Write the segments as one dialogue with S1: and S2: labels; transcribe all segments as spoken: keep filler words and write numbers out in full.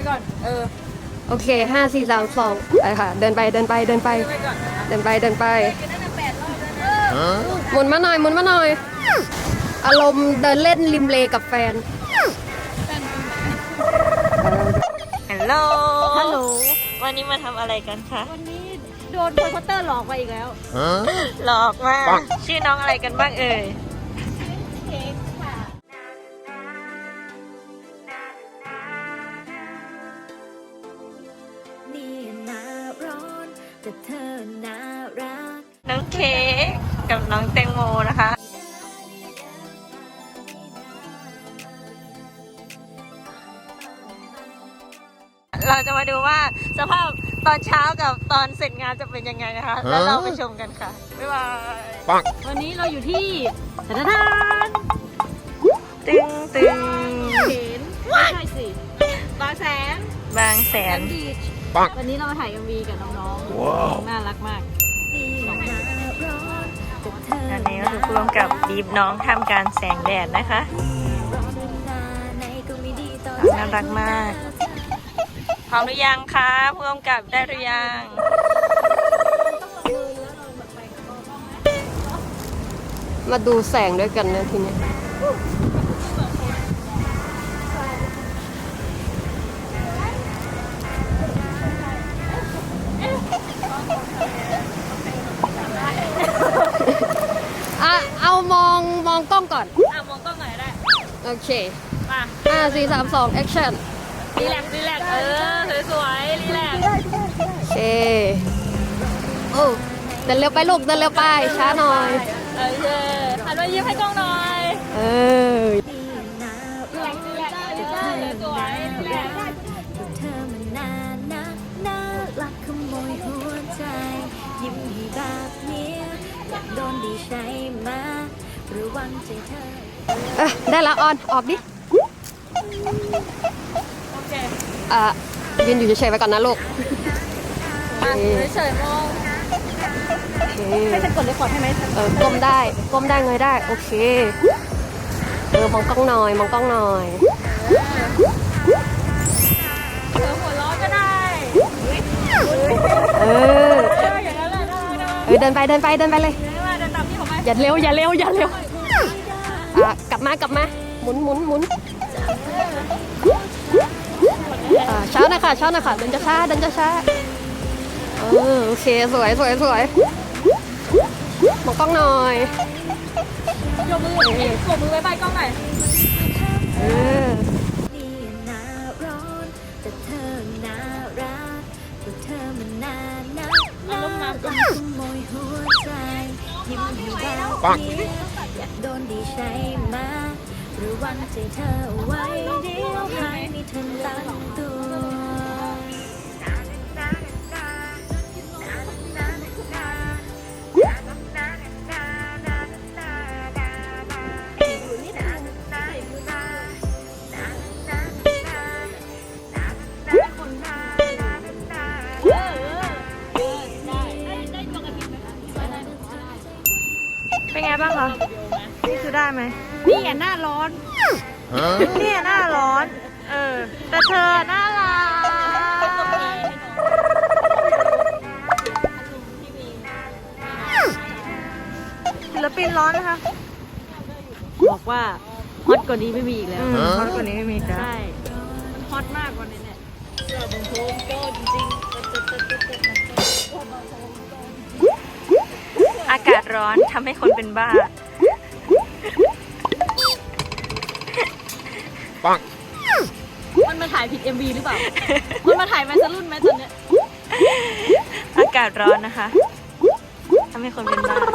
S1: ก่อนเออ
S2: โอเคห้าสี่สามสองไปค่ะเดินไปเดินไปเดินไปเดินไปเดินไปหมุนมาหน่อยหมุนมาหน่อยอารมณ์เดินเล่นริมเลกับแฟน
S3: ฮัลโหล
S1: ฮัลโหล
S3: วันนี้มาทำอะไรกันคะ
S1: วันนี้โดนโพสเตอร์หลอกไปอีกแล้ว
S3: หลอกมากชื่อน้องอะไรกันบ้างเอ่ย
S1: เค้กค่ะ
S4: นี่น่าร้อนแต่เธอน่ารัก
S3: น้องเค้กกับน้องแตงโมนะคะเราจะมาดูว่าสภาพตอนเช้ากับตอนเสร็จงานจะเป็นยังไงนะคะแล้วเราไปชมกันค่ะบ๊ายบาย
S1: วันนี้เราอยู่ที่ธนาคาร
S3: ตึงตึง
S1: เห็นไม่ใช่สิบางแสน
S3: บางแสน
S1: วันนี้เรามาถ่าย เอ็ม วี กับน้องๆน่ารักมาก
S3: ตอนนี้เราถูกร่วมกับดีฟน้องทำการแสงแดดนะคะน่ารักมากพร้อมหรือยังคะร่วมกับได้หรือยัง
S2: มาดูแสงด้วยกันนะทีนี้อ่ะเอามองมองกล้องก่อน
S1: อ่ะมองกล้องหน่อยได้
S2: โอเค
S1: มา
S2: ห้าสี่สามสองแอคชั่น
S1: รีแลกซ์รีแลกซ์เออสวยๆรีแลกซ์
S2: โอเคโอ้เดินเร็วไปลูกเดินเร็วไปช้าหน่อย
S1: เออหันมายิ้มให้กล้องหน่อย
S2: เออ
S1: รีแลกซ์รีแลกซ์สวยๆรีแลกซ์
S4: เธอมันน่านักน่ารักขโมยหัวใจยิ้มให้แบบนี้อยากโดนดีใช่ไหมระวังใจเธอ
S2: เออได้ละออนออกดิ
S1: โอเค
S2: อ่ะยืนอยู่เฉยๆไปก่อนนะลูก
S1: เฉยๆมองให้ฉันกดเรคคอร์ดให้ไหม
S2: เออก้มได้ก้มได้เงยได้โอเคเออมองกล้องหน่อยมองกล้องหน่อย
S1: เธอหัวล้อก็ได้
S2: เออ
S1: อย่างนั้นแหละ
S2: เออเดินไปเดินไปเดินไปเลย
S1: เดินตามพี่ผมไป
S2: อย่าเร็วอย่าเร็วอย่าเร็วอ่ะกลับมากลับมาหมุนหมุนหมุนอ่าช้าหน่อยค่ะช้าหน่อยค่ะเดินจะช้าเดินจะช้าเออโอเคสวยสวยสวยมองกล้องหน่อย
S1: ยกมือยกมือไว้ใบกล้องหน่อย
S2: เออ
S4: นี่น่าร้อนแต่เธอน่ารักแต่เธอมันน่านักน่ารักขโมยหัวใจยิ้มให้แบบนี้อยากโดนดีใช่ไหมระวังใจเธอไว้เดี๋ยวหายไม่ทันตั้งตัว
S3: เป็นไงบ้างคะนี่คือได้ไหม
S1: นี่อ่ะหน้าร้อน
S3: นี่หน้าร้อนเออแต่เธอน่ารักศิลปินร้อนนะคะ
S1: บอกว่าฮอตกว่านี้ไม่มีอีกแล้ว
S3: ฮอตกว่านี้ไม่มีจ้ะ
S1: ใช่มันฮอตมากกว่านี้เนี่ยเสื้อบางโพมโก้จริง
S3: อากาศร้อนทำให้คนเป็นบ้า
S2: ปัง
S1: มันมาถ่ายผิด เอ็ม วี หรือเปล่ามันมาถ่ายแมสรุ่นไหมตอนเนี้ย
S3: อากาศร้อนนะคะทำให้คนเป็นบ้า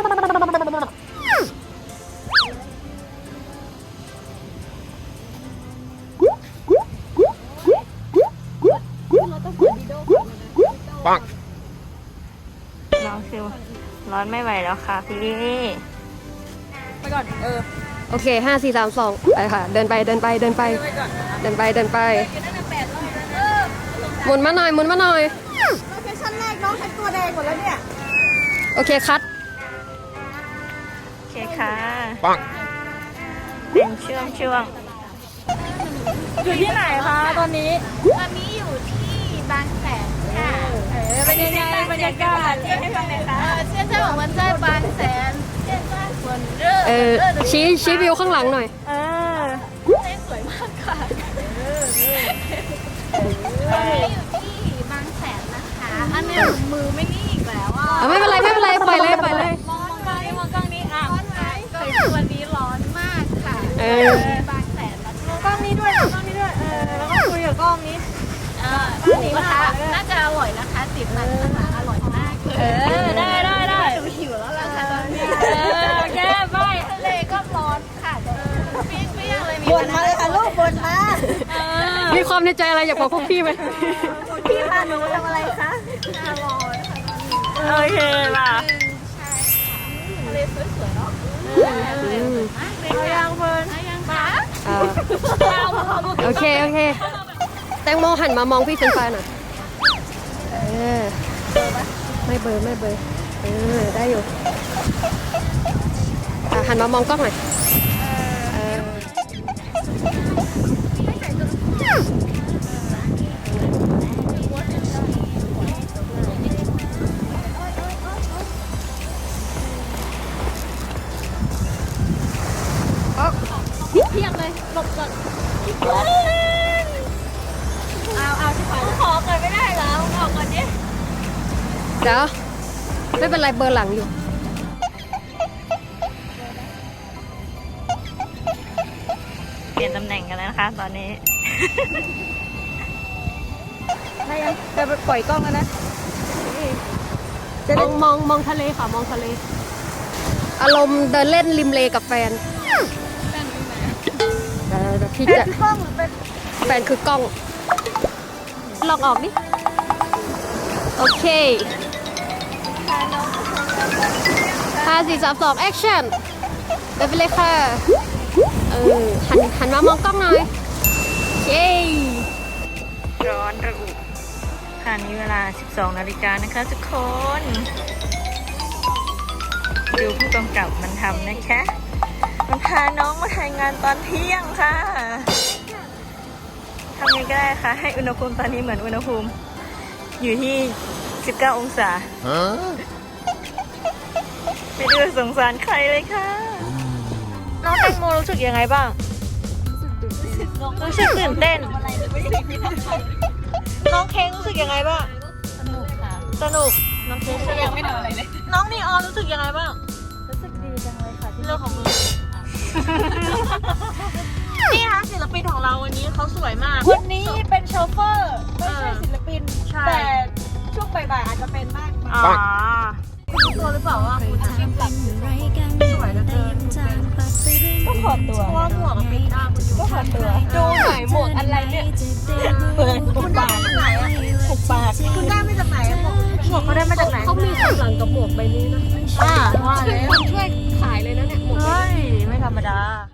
S2: ปัง
S3: ร้อนคือร้อนไม่ไหวแล้วค่ะพี่
S1: ไปก่อนเออ
S2: โอเคห้าสี่สามสองไปค่ะเดินไปเดินไปเดินไปเดินไปเดินไปหมุนมาหน่อยหมุนมาหน่อย
S1: โลเคชั่นแรกน้องฉันตัวแดงหมดแล้วเนี่ย
S2: โอเคคัด
S3: โอเคค่ะ
S2: ปัง
S3: เป็นช่วงช่วง
S1: อยู่ที่ไหนคะตอนนี้ตอนนี้อยู่
S3: รยากาศให้ฟังหน่อยค่ะ
S1: 现在我们在巴塞现在很热
S2: เออชี้ชี้วิวข้างหลังหน่อย
S3: เออ
S1: สวยมากค่ะตอนนี้อยู่ที่บางแสนนะคะ อันนี้มือไม่นิ่งอีกแล้วอ่ะ
S2: อ่ะไม่เป็นไรไม่เป็นไรปล่อยเลยปล่อยเลย
S1: มองกล้องนี้มองกล้องนี้อ่ะร้อนไหมก็วันนี้ร้อนมากค่ะ
S2: เออ
S1: บางแสนนะคะ
S3: กล้องนี้ด้วยกล้องนี้ด้วย เออ แล้วก็คุยกับกล้องนี้
S1: เออหมูกระทะน่าจะอร่อยนะคะติดมันนะคะอร่อยมากเลย
S3: เออ ได้ได้ได้
S1: หนูหิวแล้วล่ะค่ะตอนนี้
S3: เออโอเคไป
S1: ทะเลก็ร้อนค่ะเดี๋ยวเปรี้ยงเปรี้ยงเลยมี
S3: บ่นมาเลยค่ะลูกบ่นมาเออ
S2: มีความในใจอะไรอยากบอกพวกพี่ไหม
S3: พี่พาหนูทำอะไรคะ
S1: น่าร้อนค่ะ
S3: โอเคล่ะ
S1: ใช่ค่ะทะเลสวยๆเนาะ
S2: อืม
S3: เอายังเฟิร์น
S1: ได้ยังคะ
S2: อ่าโอเคโอเคแตงโมหันมามองพี่เป็นไฟหน่อยเออไม่เบลอไม่เบลอเออได้อยู่อ่ะหันมามองกล้องหน่อยเอออ๊อก
S1: เพียงเลยหลบก่อน
S3: เอาเอาที่ขอขอก่อนไม่ได้เหรอออกก่อนดิ
S2: เดี๋ยวไม่เป็นไรเบอร์หลังอยู่
S3: เปลี่ยนตำแหน่งกันแล้วนะคะ ตอนนี้
S1: ได้ยังจะปล่อยกล้องแล้วนะ
S2: มองมองมองทะเลค่ะมองทะเล อารมณ์เดินเล่นริมเลกับแฟนเออเดี๋ยวพี่จะ
S1: กล้องหรือเป็น
S2: แฟนคือกล้อง ลองออกดิ โอเคห้าสี่สามสองแอคชั่นไปไปเลยค่ะ เออ หันหันมามองกล้องหน่อยเย้
S3: ร้อนระอุค่ะนี้เวลา สิบสองนาฬิกานะคะทุกคน ดูผู้กำกับมันทำนะคะ มันพาน้องมาถ่ายงานตอนเที่ยงค่ะ ทำยังไงก็ได้ค่ะ ให้อุณหภูมิตอนนี้เหมือนอุณหภูมิ อยู่ที่ สิบเก้า องศาไม่ดูสงสารใครเลยค่ะ น้องแตงโมรู้สึกยังไงบ้าง รู้สึกตื่นเต้น น้องเค้งรู้สึกยังไงบ้าง
S1: สนุกค่ะ
S3: สนุก น้องเค้งสนุ
S1: ยั
S3: ก
S1: งไม่ทำอะไรเลย
S3: น้องนีออนรู้สึกยังไงบ้าง
S1: รู้สึกดีจังเลยค่ะที่
S3: เรื่องของมึง นี่ค่ะศิลปินของเราวันนี้เขาสวยมาก
S1: วันนี้เป็นโชเฟอร์ ไม่ใช่ศิลปิน
S3: ใช่
S1: แต่ช่วงบ่ายๆอาจจะเป็นมาก
S3: อ๋อรู้ตัวหรือเปล่าว่าคุณจะ
S4: สวยเหลือเกิน
S3: ก็ถอดตัวเพราะว่าหมวกกับปิดหน้าคุณอยู่ก็ถอดตัว
S1: ดูหน่อยหมวกอะไรเนี่ย
S3: เปิดหุบปากไหนอะหุบปากคุณได้มาจากไหนอะหมวกหมวกเขาได้มาจากไหน
S2: เขามีข้างหลังกับหมวกใบนี้นะ
S3: อ่าว่าแล้ว
S2: คนช่วยขายเลยนะเนี่ยหมวก
S3: เฮ้ย ไม่ธรรมดา